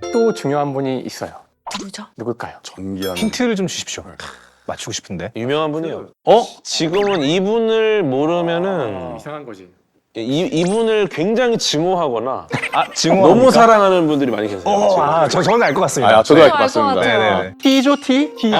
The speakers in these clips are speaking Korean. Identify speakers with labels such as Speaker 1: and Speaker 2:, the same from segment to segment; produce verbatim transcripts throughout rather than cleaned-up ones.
Speaker 1: 또 중요한 분이 있어요.
Speaker 2: 누구죠?
Speaker 1: 누굴까요?
Speaker 3: 전기하는.
Speaker 4: 힌트를 좀 주십시오. 맞추고 싶은데.
Speaker 5: 유명한 분이요. 어? 지금은 이분을 모르면은
Speaker 1: 이상한 거지.
Speaker 5: 이, 이분을 굉장히 증오하거나
Speaker 4: 아, 증오.
Speaker 5: 너무 사랑하는 분들이 많이 계세요.
Speaker 4: 어,
Speaker 5: 지금.
Speaker 4: 아, 저 저는 알 것 같습니다.
Speaker 3: 아, 저도 알 것
Speaker 2: 알것
Speaker 3: 같습니다.
Speaker 2: 같아요.
Speaker 4: 네네.
Speaker 1: T죠, T? T죠.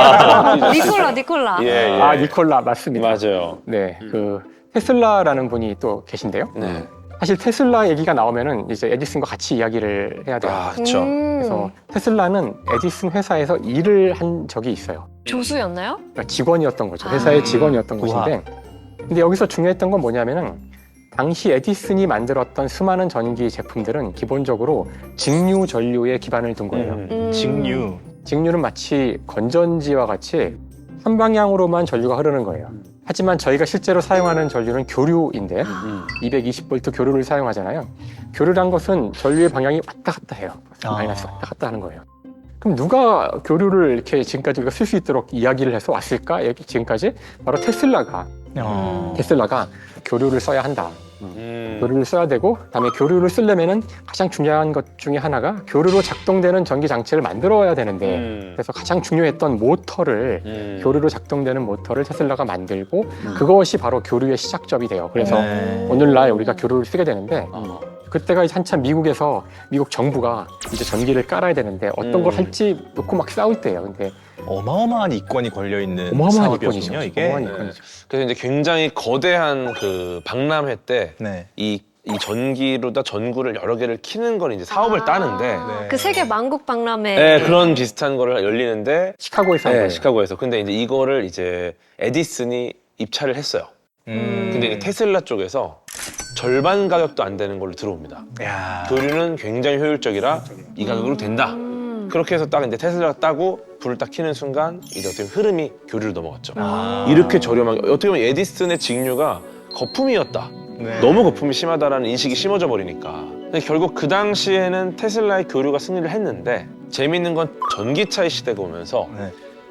Speaker 5: 아,
Speaker 2: 니콜라, 니콜라.
Speaker 5: 예, 예.
Speaker 1: 아, 니콜라 맞습니다.
Speaker 5: 맞아요.
Speaker 1: 네, 그 테슬라라는 분이 또 계신데요.
Speaker 5: 네.
Speaker 1: 사실 테슬라 얘기가 나오면은 이제 에디슨과 같이 이야기를 해야 돼요.
Speaker 5: 아, 그렇죠.
Speaker 2: 음,
Speaker 1: 그래서 테슬라는 에디슨 회사에서 일을 한 적이 있어요.
Speaker 2: 조수였나요?
Speaker 1: 그러니까 직원이었던 거죠. 회사의
Speaker 2: 아.
Speaker 1: 직원이었던
Speaker 4: 우와.
Speaker 1: 것인데, 근데 여기서 중요했던 건 뭐냐면은 당시 에디슨이 만들었던 수많은 전기 제품들은 기본적으로 직류 전류에 기반을 둔 거예요.
Speaker 5: 음.
Speaker 2: 음.
Speaker 4: 직류.
Speaker 1: 직류는 마치 건전지와 같이 한 방향으로만 전류가 흐르는 거예요. 하지만 저희가 실제로 사용하는 전류는 교류인데
Speaker 5: 음.
Speaker 1: 이백이십 볼트 교류를 사용하잖아요. 교류란 것은 전류의 방향이 왔다 갔다 해요.
Speaker 4: 아.
Speaker 1: 마이너스 왔다 갔다 하는 거예요. 그럼 누가 교류를 이렇게 지금까지 우리가 쓸 수 있도록 이야기를 해서 왔을까? 여기 지금까지 바로 테슬라가
Speaker 4: 어.
Speaker 1: 테슬라가 교류를 써야 한다.
Speaker 5: 음.
Speaker 1: 교류를 써야 되고, 그다음에 교류를 쓰려면은 가장 중요한 것 중에 하나가 교류로 작동되는 전기 장치를 만들어야 되는데,
Speaker 5: 음.
Speaker 1: 그래서 가장 중요했던 모터를
Speaker 5: 음.
Speaker 1: 교류로 작동되는 모터를 테슬라가 만들고 그것이 바로 교류의 시작점이 돼요. 그래서
Speaker 4: 네.
Speaker 1: 오늘날 우리가 교류를 쓰게 되는데
Speaker 5: 어.
Speaker 1: 그때가 이제 한참 미국에서 미국 정부가 이제 전기를 깔아야 되는데 어떤
Speaker 5: 음.
Speaker 1: 걸 할지 놓고 막 싸울 때예요. 근데
Speaker 4: 어마어마한 이권이 걸려 있는
Speaker 1: 어마어마한 이권이죠.
Speaker 4: 사업이었군요, 이게.
Speaker 1: 어마어마한
Speaker 5: 네.
Speaker 1: 이권이죠.
Speaker 5: 그래서 이제 굉장히 거대한 그 박람회 때
Speaker 4: 네.
Speaker 5: 이, 이 전기로다 전구를 여러 개를 키는 건 이제 사업을 따는데
Speaker 4: 네.
Speaker 2: 그 세계 만국 박람회.
Speaker 5: 네, 그런 비슷한 거를 열리는데
Speaker 1: 시카고에서 한
Speaker 5: 네,
Speaker 1: 거예요.
Speaker 5: 시카고에서. 근데 이제 이거를 이제 에디슨이 입찰을 했어요.
Speaker 4: 음.
Speaker 5: 근데 이제 테슬라 쪽에서 절반 가격도 안 되는 걸로 들어옵니다.
Speaker 4: 야.
Speaker 5: 교류는 굉장히 효율적이라 이 가격으로 된다.
Speaker 2: 음.
Speaker 5: 그렇게 해서 딱 이제 테슬라가 따고 불을 딱 켜는 순간 이제 어떻게 보면 흐름이 교류로 넘어갔죠.
Speaker 4: 아.
Speaker 5: 이렇게 저렴하게 어떻게 보면 에디슨의 직류가 거품이었다.
Speaker 4: 네.
Speaker 5: 너무 거품이 심하다라는 인식이 심어져 버리니까. 근데 결국 그 당시에는 테슬라의 교류가 승리를 했는데 재밌는 건 전기차의 시대가 오면서
Speaker 4: 네.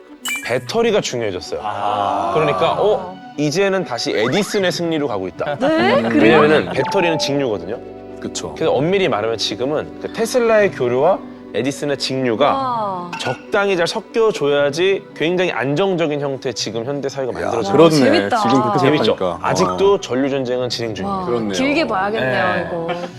Speaker 5: 배터리가 중요해졌어요.
Speaker 4: 아.
Speaker 5: 그러니까 어 이제는 다시 에디슨의 승리로 가고 있다.
Speaker 2: 네? 그래요?
Speaker 5: 왜냐면은 배터리는 직류거든요.
Speaker 3: 그쵸.
Speaker 5: 그래서 엄밀히 말하면 지금은 그 테슬라의 교류와 에디슨의 직류가
Speaker 2: 와.
Speaker 5: 적당히 잘 섞여줘야지 굉장히 안정적인 형태의 지금 현대 사회가 만들어져요.
Speaker 2: 와,
Speaker 3: 그렇네.
Speaker 2: 재밌다.
Speaker 3: 지금 그렇게
Speaker 5: 재밌죠?
Speaker 3: 생각하니까.
Speaker 5: 아직도 전류 전쟁은 진행
Speaker 2: 와,
Speaker 5: 중입니다.
Speaker 3: 그렇네요.
Speaker 2: 길게 봐야겠네요,
Speaker 5: 네.
Speaker 2: 이거.